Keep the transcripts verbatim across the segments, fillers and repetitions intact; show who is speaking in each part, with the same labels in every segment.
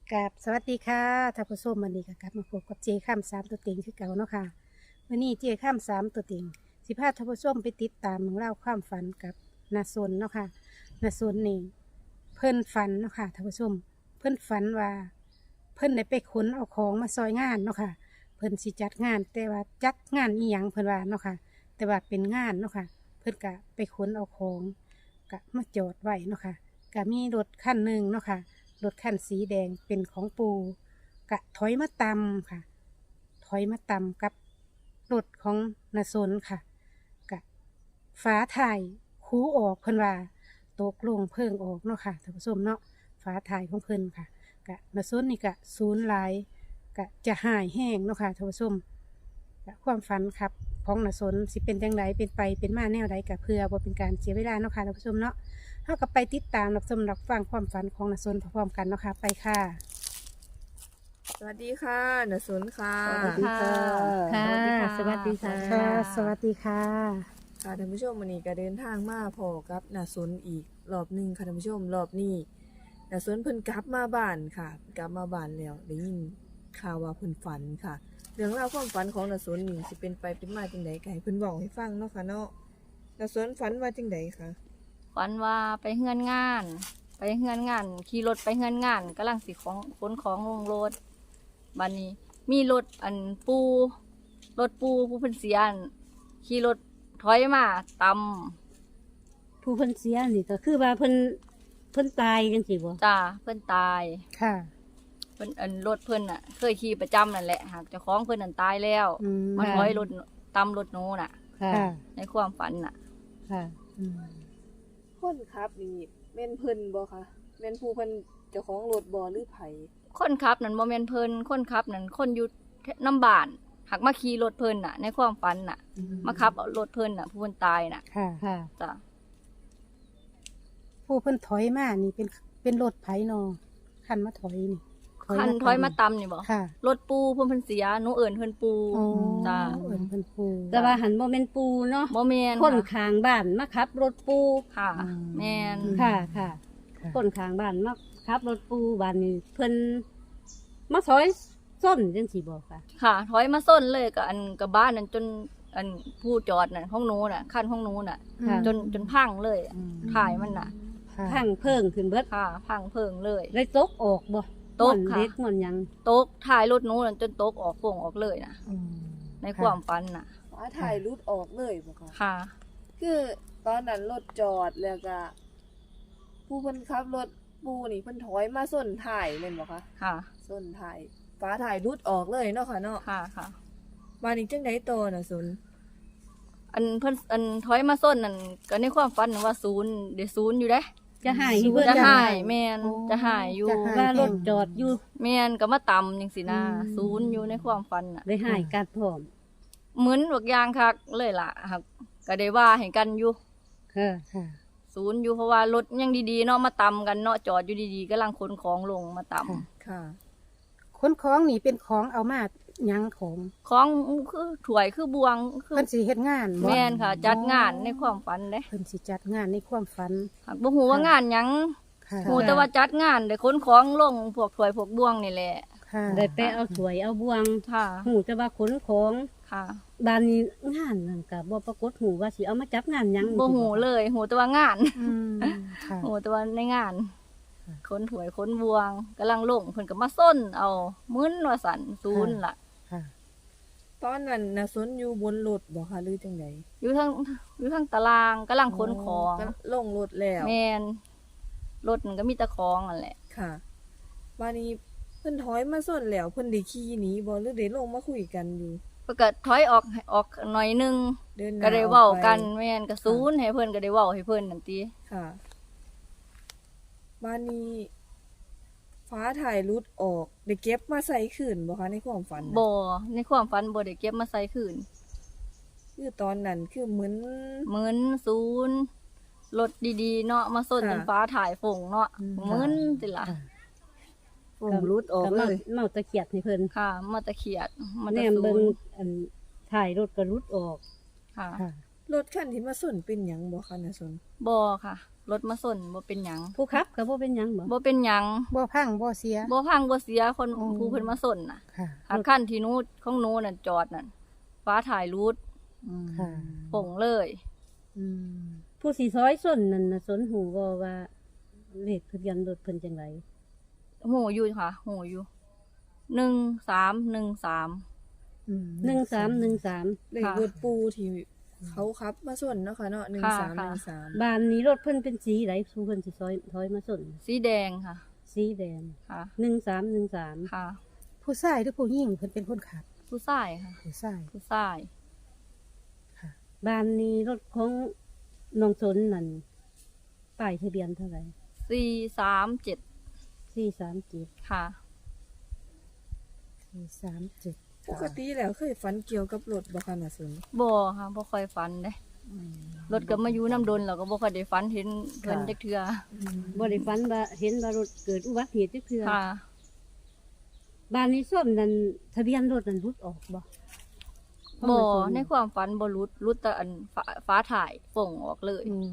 Speaker 1: กับสวัสดีค่ะท่านผู้ชมวันนี้ก็กลับมาพบกับเจข้ามสามตัวเต็งคือเก่าเนาะค่ะวันนี้เจข้ามสามตัวเต็งสิพาท่านผู้ชมไปติดตามเรื่องเล่าวความฝันกับนาซนเนาะค่ะนาซนนี่เพิ่นฝันเนาะค่ะท่านผู้ชมเพิ่นฝันว่า เพิ่นได้ไปขนเอาของมาซอยงานเนาะค่ะเพิ่นสิจัดงานแต่ว่าจัดงานอีหยังเพิ่นว่าเนาะค่ะแต่ว่าเป็นงานเนาะค่ะเพิ่นก็ไปขนเอาของก็มาจอดไว้เนาะค่ะก็มีรถคันหนึ่งเนาะค่ะ รถคันสีแดงเป็นของปูกะถอยมาตำค่ะ ถอยมาตำกับรถของนาซนค่ะกะฟ้าถ่ายคูออกเพิ่นว่าตกลงเพิ่งออกเนาะค่ะท่านผู้ชมเนาะฟ้าถ่ายของเพิ่นค่ะกะนาซนนี่กะศูนย์หลายกะจะหายแห้งเนาะค่ะท่านผู้ชมกะความฝันครับของนาซนสิเป็นจังไดเป็นไปเป็นมาแนวใดกะเพื่อบ่เป็นการเสียเวลาเนาะค่ะท่านผู้ชมเนาะ เท่ากับไปติดตามรับชมรับฟังความฝันของนาซนพร้อมๆกันเนาะค่ะไปค่ะ
Speaker 2: สวัสดีค่ะนสุนค่ะ
Speaker 3: สวัสดีค่ะ
Speaker 1: ค่ะ
Speaker 3: สวัสดีค่ะ
Speaker 1: ค่ะ สวัสดีค่ะ
Speaker 2: ค่ะท่านผู้ชมวันนี้ก็เดินทางมาพอกับนสุนอีกรอบหนึ่งค่ะท่านผู้ชมรอบนี้นสุนเพิ่นกลับมาบ้านค่ะ กลับมาบ้านแล้วได้ยินข่าวว่าเพิ่นฝันค่ะ เรื่องราวความฝันของนสุนนี่สิเป็นไปเป็นมาจังไดก็ให้เพิ่นเว้าให้ฟังเนาะค่ะเนาะนสุนฝันว่าจังไดคะ
Speaker 3: ฝันว่าไปเฮือนงาน ไปเฮือนงานขี่รถไปเฮือนงานกำลังสิของขนของลงรถบัดนี้ มีรถอันปูรถปูผู้เพิ่นเสียนขี่รถถอยมาตำ
Speaker 1: ผู้เพิ่นเสียนี่ก็คือว่าเพิ่นเพิ่นตายจังสิบ่
Speaker 3: จ้าเพิ่นตาย
Speaker 1: ค่ะ
Speaker 3: เพิ่นอันรถเพิ่นน่ะ เคยขี่ประจำนั่นแหละหากเจ้าของเพิ่นนั่นตายแล้ว
Speaker 1: อืม
Speaker 3: มาถอยรถตำรถหนูน่ะ
Speaker 1: ค่ะ
Speaker 3: ในความฝันน่ะ
Speaker 1: ค่ะอืม
Speaker 2: คนครับนี่แม่นเพิ่นบ่คะแม่นผู้เพิ่นเจ้าของรถบ่หรือไผ
Speaker 3: คนขับนั่นบ่แม่นเพิ่นคนขับนั่นคนอยู่น้ำบ้านหักมาขี่รถเพิ่นน่ะ ในความฝันน่ะ มาขับเอารถเพิ่นน่ะผู้เพิ่นตายน่ะ
Speaker 1: ค่ะ ค่ะ
Speaker 3: จ้ะ
Speaker 1: ผู้เพิ่นถอยมานี่เป็นเป็นรถไผนอคันมาถอยนี่
Speaker 3: คันถอยมาตำนี่บ่
Speaker 1: ค่ะ
Speaker 3: รถปูเพิ่นเพิ่นเสียหนูเอิ้นเพิ่นปู
Speaker 1: อ๋อ
Speaker 3: จ้า
Speaker 1: เอิ้นเพิ่นปู
Speaker 4: แต่ว่าหันโมเมนปูเนาะ
Speaker 3: บ่แม่น
Speaker 4: คน
Speaker 3: ค่ะ
Speaker 4: ข้างบ้านมาขับ รถปู
Speaker 3: ค่ะ แม่น
Speaker 4: ค่ะค่ะ
Speaker 1: ค่ะ
Speaker 4: คนข้างบ้านมาขับ รถปูบ้านนี้เพิ่นมาซอยส้นจังสีบอกค่ะ
Speaker 3: ค่ะ ถอยมาส้นเลยกับอันกับบ้านนั่นจนอันผู้จอดน่ะห้องหนูน่ะคันห้องหนูน่ะ
Speaker 4: ค่ะ
Speaker 3: จนจนพังเลยถ่ายมันน่ะ
Speaker 1: ค่ะ
Speaker 4: พังเพิ่งขึ้นเบิด
Speaker 3: ค่ะ พังเพิงเลย
Speaker 4: เลยตกออกบ่
Speaker 3: ตก
Speaker 4: ม่วน
Speaker 3: ค่ะ
Speaker 4: เล็กม่วนหยัง
Speaker 3: ตกถ่ายรถหนูนั่นจนตกออกโป่งออกเลยน่ะ
Speaker 1: อืม
Speaker 3: ในความฝันน่ะ
Speaker 2: ฟ้าถ่ายรุดออกเลยบ่คะ
Speaker 3: ค่ะ
Speaker 2: คือตอนนั้นรถจอดแล้วก็ผู้เพิ่นขับรถปูนี่เพิ่นถอยมาส้นถ่ายแม่นบ่คะ
Speaker 3: ค่ะ
Speaker 2: ส้นถ่ายฟ้าถ่ายรุดออกเลยเนาะค่ะเนาะ
Speaker 3: ค่ะค่ะ
Speaker 2: มานี่จังได๋ต่อน่ะสุน
Speaker 3: อันเพิ่นอันถอยมาส้นนั่นก็ในความฝันน่ะว่าศูนย์เดี๋ยวศูนย์อยู่เด้
Speaker 4: จะหาย
Speaker 1: ศูนย์
Speaker 4: เพิ่น
Speaker 3: จะ
Speaker 1: จะ
Speaker 3: หา
Speaker 1: หาย
Speaker 3: ยแม่น
Speaker 1: โอ้
Speaker 3: จะหายอยู่
Speaker 1: จะหาย
Speaker 4: ว่ารถจอดอยู่
Speaker 3: แม่นก็มาต่ำจังสินะ
Speaker 4: อืม
Speaker 3: ศูนย์อยู่ในความฝันน่ะ
Speaker 4: เลยหายกัดพร้อม
Speaker 3: เหมือนบักอยางคักเลยล่ะครับก็ได้ว่าให้กันอยู่
Speaker 4: ค่ะ
Speaker 1: ค่ะ
Speaker 3: ศูนย์อยู่เพราะว่ารถยังดีๆเนาะมาต่ำกันเนาะจอดอยู่ดีๆกำลังขนของลงมาต่ำ
Speaker 1: ค่ะ
Speaker 2: ค่ะ
Speaker 1: คนของนี่เป็นของเอามาหยังของ
Speaker 3: ของคือถ้วยคือบวงคือ
Speaker 1: เพิ่นสิเฮ็ดงานบ่
Speaker 3: แม่นค่ะ จัดงานในความฝันเด้
Speaker 1: เพิ่นสิจัดงานในความฝัน
Speaker 3: หากบ่ฮู้ว่างานหยัง
Speaker 1: ค่ะ
Speaker 3: ฮู้แต่ว่าจัดงานได้ขนของลงพวกถ้วยพวกบวงนี่แหละ
Speaker 1: ค่ะ
Speaker 4: ได้ไปเอาถวยเอาบวง
Speaker 3: ค่ะ
Speaker 4: หูแต่ว่าขนของ
Speaker 3: ค่ะ
Speaker 4: บ้านนี้งานนั่นก็บ่ปรากฏหูว่าสิเอามาจับงานหยัง
Speaker 3: บ่ฮู้เลยฮู้แต่ว่างาน
Speaker 1: อืมค่ะ
Speaker 3: ฮู้แต่ว่าในงาน
Speaker 1: ค่ะ
Speaker 3: ขนถ้วยขนบวงกำลังลงเพิ่นก็มาส้นเอามึนว่าสั่นศูนย์ล่ะ
Speaker 1: ค่ะ
Speaker 2: ตอนนั้นน่ะสุนอยู่บนรถบ่คะหรือจังได๋
Speaker 3: อยู่ทางอยู่ทางตารางกำลังขนของ
Speaker 2: ก็ลงรถแล้ว
Speaker 3: แม่นรถมันก็มีแต่ของนั่นแหละ
Speaker 2: ค่ะบัดนี้เพิ่นถอยมาส้นแล้วเพิ่นได้ขี่หนีบ่หรือได้ลงมาคุยกันอยู่
Speaker 3: เพิ่นก็ถอยออกออกหน่อยหนึง
Speaker 2: เดินหน้
Speaker 3: ก็ได้เว้ากัน
Speaker 2: ออไป
Speaker 3: แม่นก็ศูนย์ให้เพิ่นก็ได้เว้าให้เพิ่นนั่นติ
Speaker 2: ค่ะบ้านนี้ ฟ้าถ่ายรุดออกได้เก็บมาใส่คืนบ่คะในความฝันน่ะ
Speaker 3: บ่ในความฝันบ่ได้เก็บมาใส่คืน
Speaker 2: คือตอนนั้นคือเหมือน
Speaker 3: เหมือนศูนย์รถดีๆเนาะมาส้น
Speaker 2: ค่ะ
Speaker 3: จนฟ้าถ่ายฝงเนาะ
Speaker 1: อืม
Speaker 3: เหมือนติล่ะ
Speaker 1: ค่ะ
Speaker 2: ผมรุดออก
Speaker 4: ก็
Speaker 2: เล
Speaker 4: มาย เมาตะเขียดให้เพิ่น
Speaker 3: ค่ะมาตะเขียดมา
Speaker 4: แน
Speaker 3: ตะ
Speaker 4: ม
Speaker 3: ศู
Speaker 4: เบิ่ง
Speaker 3: นย์
Speaker 4: อันถ่ายรถก็รุดออก
Speaker 3: ค่ะ
Speaker 1: ค่ะ
Speaker 2: รถคันที่มาส้นเป็นหยังบ่คะน่ะสน
Speaker 3: บ่ค่ะรถมาส่นบ่เป็นหยัง
Speaker 4: ผู้ขับก็บ่เป็นหยังบ่
Speaker 3: บ่เป็นหยัง
Speaker 1: บ่พังบ่เสีย
Speaker 3: บ่พังบ่เสียคน
Speaker 1: อ๋อ
Speaker 3: ผู้เพิ่นมาส่นน่ะ
Speaker 1: ค่ะ
Speaker 3: หากคันที่หนู้ของหนู้น่ะจอดน่ะฟ้าถ่ายรูด
Speaker 1: ค่ะ
Speaker 3: ป่งเลย
Speaker 1: อืม
Speaker 4: ผู้สีซอยส้นนั่นน่ะสนหูบ่ว่าเลขทะเบียนรถเพิ่นจังได
Speaker 3: โหอยู่ค่ะโหอยู่หนึ่งสามหนึ่งสาม
Speaker 1: อืม
Speaker 4: หนึ่งสามหนึ่งสาม
Speaker 2: เลขรถปูที่เขาขับมาส่วนเนาะค่ะเนาะหนึ่งสามหนึ่งสาม
Speaker 4: บ้านนี้รถเพิ่นเป็นสีไหนผู้เพิ่นสิซอยถอยมาส้น
Speaker 3: สีแดงค่ะ
Speaker 4: สีแดง
Speaker 3: ค่ะ
Speaker 4: หนึ่งสามหนึ่งสาม
Speaker 3: ค่ะ
Speaker 1: ผู้ชายหรือผู้หญิงเพิ่นเป็นคนขับ
Speaker 3: ผู้ชายค่ะ
Speaker 1: ผู้ชาย
Speaker 3: ผู้ชาย
Speaker 1: ค่ะ
Speaker 4: บ้านนี้รถของน้องสนนั่นป้ายทะเบียนเท่าไหร่
Speaker 3: สี่สามเจ็ด
Speaker 4: สี่สามเจ็ด
Speaker 3: ค่ะ
Speaker 1: สี่สามเจ็ด
Speaker 2: ปกติแล้วเคยฝันเกี่ยวกับรถบ่คะน่ะสน
Speaker 3: บ่ค่ะบ่ค่อยฝันเด้รถก็มาอยู่น้ำดนแล้วก็บ่ค่อยได้ฝันเห็นเพิ่นจักเทื่อ
Speaker 4: บ่ได้ฝันว่าเห็นว่ารถเกิดอุบัติเหตุจักเทื่อ
Speaker 3: ค่ะ
Speaker 4: บ้านนี้ส้มนั่นทะเบียนรถนั่นรุดออกบ่
Speaker 3: บ่ในความฝันบ่รุดรุดแต่อันฟ้าฟ้าถ่ายป่งออกเลย
Speaker 1: อืม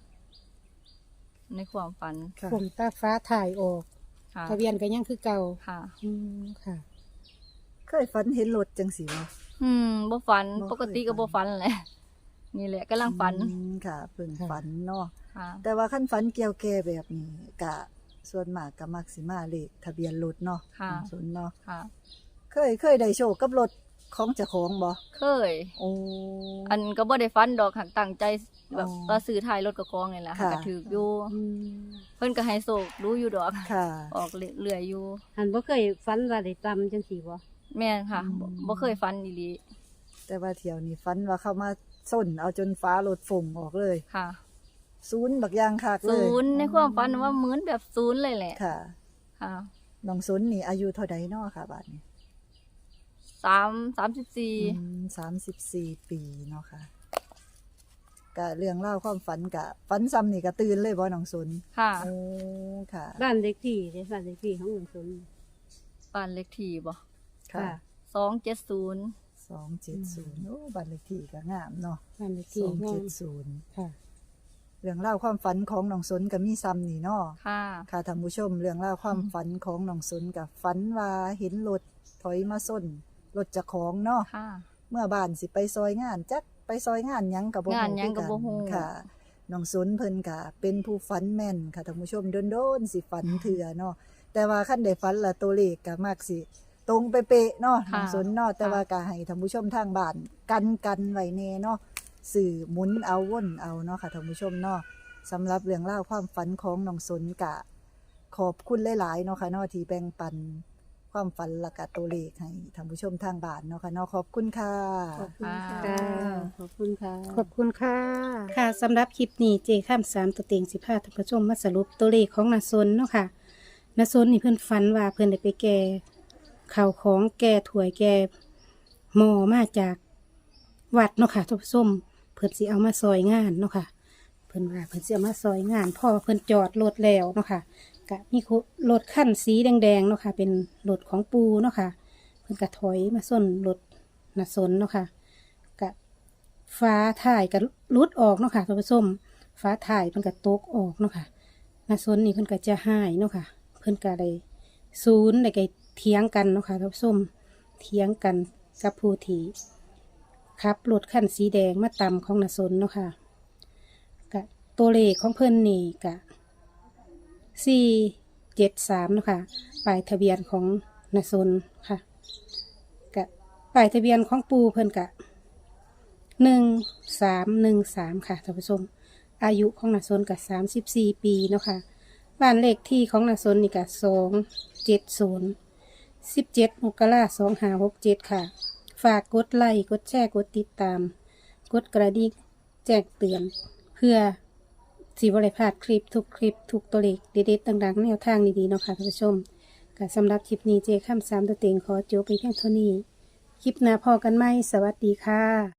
Speaker 3: ในความฝัน
Speaker 2: ค่ะ
Speaker 1: ผมตาฟ้าถ่ายออก
Speaker 3: ค่ะ
Speaker 1: ทะเบียนก็ยังคือเก่า
Speaker 3: ค่ะ
Speaker 1: อืมค่ะ
Speaker 5: เคยฝันเห็นรถจังสีบ่
Speaker 3: อืมบ่ฝัน
Speaker 5: บ่เคย
Speaker 3: ปกติก็บ่ฝันแหละนี่แหละกำลังฝัน
Speaker 5: อืมค่ะเพิ่ง
Speaker 1: ค่ะ
Speaker 5: ฝันเนาะ
Speaker 3: ค่ะ
Speaker 5: แต่ว่าขั้นฝันเกี่ยวแก่แบบนี้กะส่วนมากก็มักสิมาเลขทะเบียนรถเนาะ
Speaker 3: ค่ะ
Speaker 5: สนเนาะ
Speaker 3: ค่ะ
Speaker 5: เคยเคยได้โชคกับรถของเจ้าของบ่
Speaker 3: เคย
Speaker 5: โอ้
Speaker 3: อันก็บ่ได้ฟันดอกหักตั้งใจแบบ
Speaker 5: อ๋อ
Speaker 3: ว่าซื้อท้ายรถกระกองนี่แหละ
Speaker 5: ค่ะ
Speaker 3: ก็ถืออยู่
Speaker 1: อืม
Speaker 3: เพิ่นก็ให้โศกรู้อยู่ดอก
Speaker 5: ค่ะ
Speaker 3: ออกเรื่อยๆอยู่
Speaker 4: หันบ่เคยฝันว่าได้ตำจังซี่บ่
Speaker 3: แม่นค่ะบ่บ่เคยฟันอีหลี
Speaker 5: แต่ว่าเที่ยวนี้ฝันว่าเข้ามาส้นเอาจนฟ้ารถฝงออกเลย
Speaker 3: ค่ะ
Speaker 5: ศูนย์บักอยางคักเลย
Speaker 3: ศูนย์ในความฝันว่าเหมือนแบบศูนย์เลยแหละ
Speaker 5: ค่ะ
Speaker 3: ค่ะ
Speaker 5: น้องสนนี่อายุเท่าใดเนาะค่ะบัดนี้
Speaker 3: สามสามสิบสี่
Speaker 5: อืมสามสิบสี่ปีเนาะค่ะกะเรื่องเล่าวความฝันกะฝันซ้ำนี่กะตื่นเลยบ่น้องสน
Speaker 3: ค่ะ
Speaker 5: โอ้ค่ะ
Speaker 4: บ้านเลขที่เด้บ้านเลขที่ของหลวงสน
Speaker 3: บ้านเลขที่บ่
Speaker 5: ค่ะ
Speaker 3: สองเจ็ดศูนย์
Speaker 5: สองเจ็ดศูนย์โอ้บัตรเลขที่ก็งามเนาะ
Speaker 1: บ้านเลข
Speaker 5: ส
Speaker 1: ที่
Speaker 5: อง
Speaker 1: งา
Speaker 5: เจ็
Speaker 1: ม
Speaker 5: ดศูนย์
Speaker 1: ค่ะ
Speaker 5: เรื่องเล่าวความฝันของน้องสนกับมีซ้ำนี่เนาะ
Speaker 3: ค่ะ
Speaker 5: ค่ะท่านผู้ชม เรื่องเล่าวความฝันของน้องสนกับฝันว่าเห็นรถถอยมาส้นรถเจะของเนาะ
Speaker 3: ค่ะ
Speaker 5: เมื่อบ้านสิไปซอยงานจักไปซอยงานหยังกับบ่
Speaker 3: งานหยังก็บ่ฮู้
Speaker 5: คือกันค่ะน้องสนเพิ่นกะเป็นผู้ฝันแม่นค่ะท่านผู้ชมโดนๆสิฝันเถื่อเนาะแต่ว่าคันได้ฝันละตัวเลขก็มักสิ ตรงเป๊ะๆเนาะน้องสนเนาะแต่ว่าก็ให้ท่านผู้ชมทางบ้านกันกันไว้แน่เนาะสื่อหมุนเอาวนเอาเนาะค่ะท่านผู้ชมเนาะสำหรับเรื่องเล่าวความฝันของน้องสนกะ ขอบคุณหลายๆเนาะค่ะเนาะที่แบ่งปันความฝันและกะตัวเลขให้ท่านผู้ชมทางบ้านเนาะค่ะเนาะขอบคุณค่ะ
Speaker 2: ขอบคุณค่ะ
Speaker 4: ค่ะขอบคุณค่ะ
Speaker 1: ขอบคุณค่ะ ค่ะสำหรับคลิปนี้เจข้ามสามตัวเต็งสิบห้าท่านผู้ชมมาสรุปตัวเลขของนาซนเนาะค่ะนาซนนี่เพื่อนฝันว่าเพื่อนได้ไปแก่ข่าวของแก่ถวยแก่หมอมาจากวัดเนาะค่ะท่านผู้ชมเพื่อนสิเอามาซอยงานเนาะค่ะ เพื่อนว่าเพื่อนสิเอามาซอยงานพ่อเพื่อนจอดรถแล้วเนาะค่ะกะมีรถขั้นสีแดงๆเนาะค่ะ เป็นรถของปูเนาะค่ะ เพื่อนกะถอยมาส้นรถนาซนเนาะค่ะกะ ฟ้าถ่ายก็รุดออกเนาะค่ะท่านผู้ชมฟ้าถ่ายเพิ่นก็ตกออกเนาะค่ะนาซนนี่เพิ่นก็จะหายเนาะค่ะ เพิ่นก็ได้ศูนย์ได้ก็เถียงกันเนาะค่ะท่านผู้ชมเถียงกันกับผู้ที่ขับรถคันสีแดงมาตำของนาซนเนาะค่ะกะตัวเลขของเพิ่นนี่กะสี่เจ็ดสามเนาะค่ะป้ายทะเบียนของนาซนค่ะกะป้ายทะเบียนของปูเพิ่นกะ หนึ่งสามหนึ่งสามค่ะท่านผู้ชมอายุของนาซนกับสามสิบสี่ปีเนาะค่ะบ้านเลขที่ของนาซนนี่กับสองเจ็ดศูนย์สิบเจ็ดมกราสองห้าหกเจ็ดค่ะ ฝากกดไลค์กดแชร์กดติดตาม กดกระดิ่งแจ้งเตือน เพื่อสีบริพลาดคลิปทุกคลิปทุกตัวเลขเด็ดๆต่างๆแนวทางดีๆเนาะค่ะท่านผู้ชมก็สำหรับคลิปนี้เจข้ามสามตัวเต็งขอจบไปเพียงเท่านี้ คลิปหน้าพอกันไหมสวัสดีค่ะ